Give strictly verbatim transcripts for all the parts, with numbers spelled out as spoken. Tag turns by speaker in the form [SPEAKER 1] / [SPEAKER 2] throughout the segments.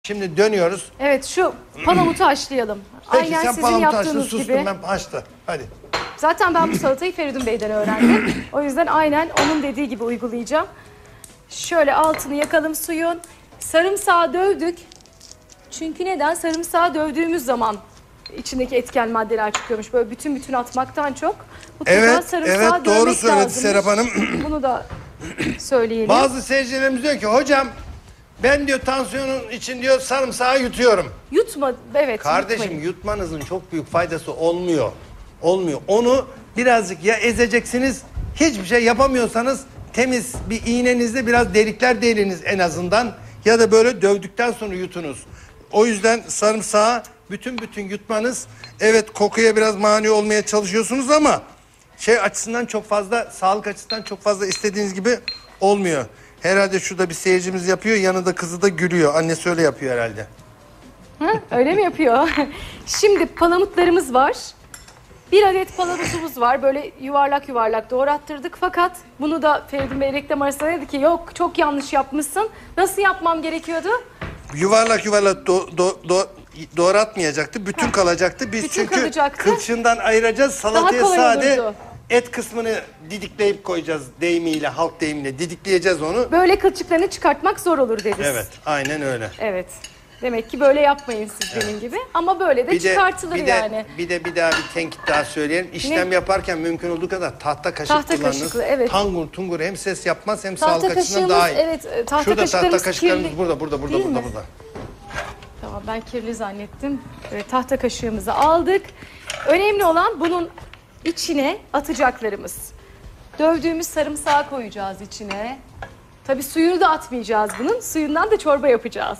[SPEAKER 1] Şimdi dönüyoruz.
[SPEAKER 2] Evet, şu palamutu haşlayalım.
[SPEAKER 1] Peki
[SPEAKER 2] Aynen
[SPEAKER 1] sen
[SPEAKER 2] sizin
[SPEAKER 1] palamutu açtın,
[SPEAKER 2] yaptığınız
[SPEAKER 1] sustum
[SPEAKER 2] gibi.
[SPEAKER 1] ben haşla. Hadi.
[SPEAKER 2] Zaten ben bu salatayı Feridun Bey'den öğrendim. O yüzden aynen onun dediği gibi uygulayacağım. Şöyle altını yakalım suyun. Sarımsağı dövdük. Çünkü neden? Sarımsağı dövdüğümüz zaman içindeki etken maddeler çıkıyormuş. Böyle bütün bütün atmaktan çok. Mutlaka
[SPEAKER 1] Evet,
[SPEAKER 2] sarımsağı
[SPEAKER 1] evet doğru
[SPEAKER 2] dövmek
[SPEAKER 1] söyledi
[SPEAKER 2] lazımmış.
[SPEAKER 1] Serap Hanım.
[SPEAKER 2] Bunu da söyleyelim.
[SPEAKER 1] Bazı seyircilerimiz diyor ki hocam ben diyor tansiyonun için diyor sarımsağı yutuyorum.
[SPEAKER 2] Yutma, evet.
[SPEAKER 1] Kardeşim
[SPEAKER 2] yutmayın.
[SPEAKER 1] yutmanızın çok büyük faydası olmuyor. Olmuyor. Onu birazcık ya ezeceksiniz, hiçbir şey yapamıyorsanız temiz bir iğnenizle biraz delikler deliniz en azından. Ya da böyle dövdükten sonra yutunuz. O yüzden sarımsağı bütün bütün yutmanız, evet kokuya biraz mani olmaya çalışıyorsunuz ama şey açısından çok fazla, sağlık açısından çok fazla istediğiniz gibi olmuyor. Herhalde şurada bir seyircimiz yapıyor, yanında kızı da gülüyor. Annesi öyle yapıyor herhalde.
[SPEAKER 2] Ha, öyle mi yapıyor? Şimdi palamutlarımız var. Bir adet palamutumuz var. Böyle yuvarlak yuvarlak doğrattırdık. Fakat bunu da Feridun Bey reklam arasında dedi ki yok çok yanlış yapmışsın. Nasıl yapmam gerekiyordu?
[SPEAKER 1] Yuvarlak yuvarlak do, do, do, doğratmayacaktı. Bütün ha. kalacaktı. Biz
[SPEAKER 2] Bütün
[SPEAKER 1] çünkü
[SPEAKER 2] kalacaktı.
[SPEAKER 1] kılçığından ayıracağız. Salataya
[SPEAKER 2] kolay
[SPEAKER 1] sade
[SPEAKER 2] olurdu.
[SPEAKER 1] et kısmını didikleyip koyacağız deyimiyle, halk deyimiyle didikleyeceğiz onu.
[SPEAKER 2] Böyle kılçıklarını çıkartmak zor olur deriz.
[SPEAKER 1] Evet, aynen öyle.
[SPEAKER 2] Evet. Demek ki böyle yapmayın siz evet. benim gibi. Ama böyle de
[SPEAKER 1] bir
[SPEAKER 2] çıkartılır
[SPEAKER 1] de, bir
[SPEAKER 2] yani.
[SPEAKER 1] De, bir de bir daha bir tenkit daha söyleyelim. İşlem ne? yaparken mümkün olduğu kadar tahta kaşık
[SPEAKER 2] tahta
[SPEAKER 1] kullanınız.
[SPEAKER 2] Kaşıklı, evet.
[SPEAKER 1] Tangur tungur hem ses yapmaz hem
[SPEAKER 2] tahta
[SPEAKER 1] sağlık açısından daha iyi.
[SPEAKER 2] Evet, tahta
[SPEAKER 1] Şurada
[SPEAKER 2] kaşıklarımız
[SPEAKER 1] tahta kaşıklarımız
[SPEAKER 2] kirli.
[SPEAKER 1] burada, burada, burada,
[SPEAKER 2] Değil
[SPEAKER 1] burada,
[SPEAKER 2] mi?
[SPEAKER 1] burada.
[SPEAKER 2] Tamam, ben kirli zannettim. Evet, tahta kaşığımızı aldık. Önemli olan bunun içine atacaklarımız. Dövdüğümüz sarımsağı koyacağız içine. Tabii suyunu da atmayacağız bunun. Suyundan da çorba yapacağız.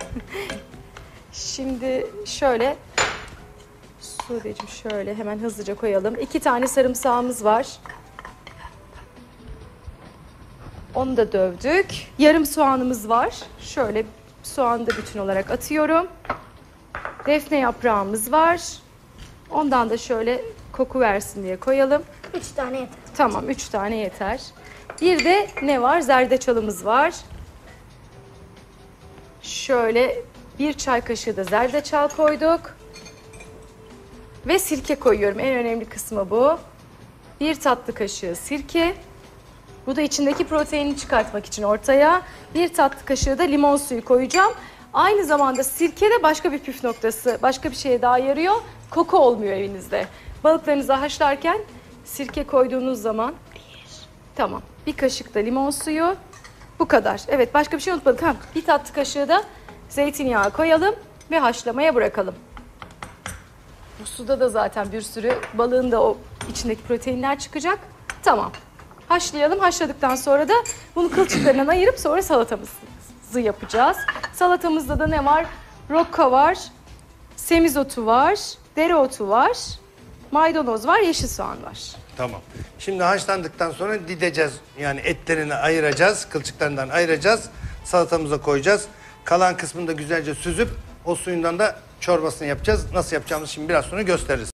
[SPEAKER 2] Şimdi şöyle, Sude'cim şöyle hemen hızlıca koyalım. İki tane sarımsağımız var. Onu da dövdük. Yarım soğanımız var. Şöyle soğanı da bütün olarak atıyorum. Defne yaprağımız var. Ondan da şöyle koku versin diye koyalım.
[SPEAKER 3] Üç tane yeter.
[SPEAKER 2] Tamam, üç tane yeter. Bir de ne var? Zerdeçalımız var. Şöyle bir çay kaşığı da zerdeçal koyduk. Ve sirke koyuyorum. En önemli kısmı bu. Bir tatlı kaşığı sirke. Bu da içindeki proteini çıkartmak için ortaya. Bir tatlı kaşığı da limon suyu koyacağım. Aynı zamanda sirke de başka bir püf noktası, başka bir şeye daha yarıyor. Koku olmuyor evinizde. Balıklarınızı haşlarken sirke koyduğunuz zaman... Tamam. Bir kaşık da limon suyu. Bu kadar. Evet, başka bir şey unutmadık. Ha, bir tatlı kaşığı da zeytinyağı koyalım ve haşlamaya bırakalım. Bu suda da zaten bir sürü balığın da o içindeki proteinler çıkacak. Tamam. Haşlayalım. Haşladıktan sonra da bunu kılçıklarından ayırıp sonra salatamızı yapacağız. Salatamızda da ne var? Rokka var, semizotu var, dereotu var, maydanoz var, yeşil soğan var.
[SPEAKER 1] Tamam. Şimdi haşlandıktan sonra dideceğiz. Yani etlerini ayıracağız, kılçıklarından ayıracağız. Salatamıza koyacağız. Kalan kısmını da güzelce süzüp o suyundan da çorbasını yapacağız. Nasıl yapacağımızı şimdi biraz sonra gösteririz.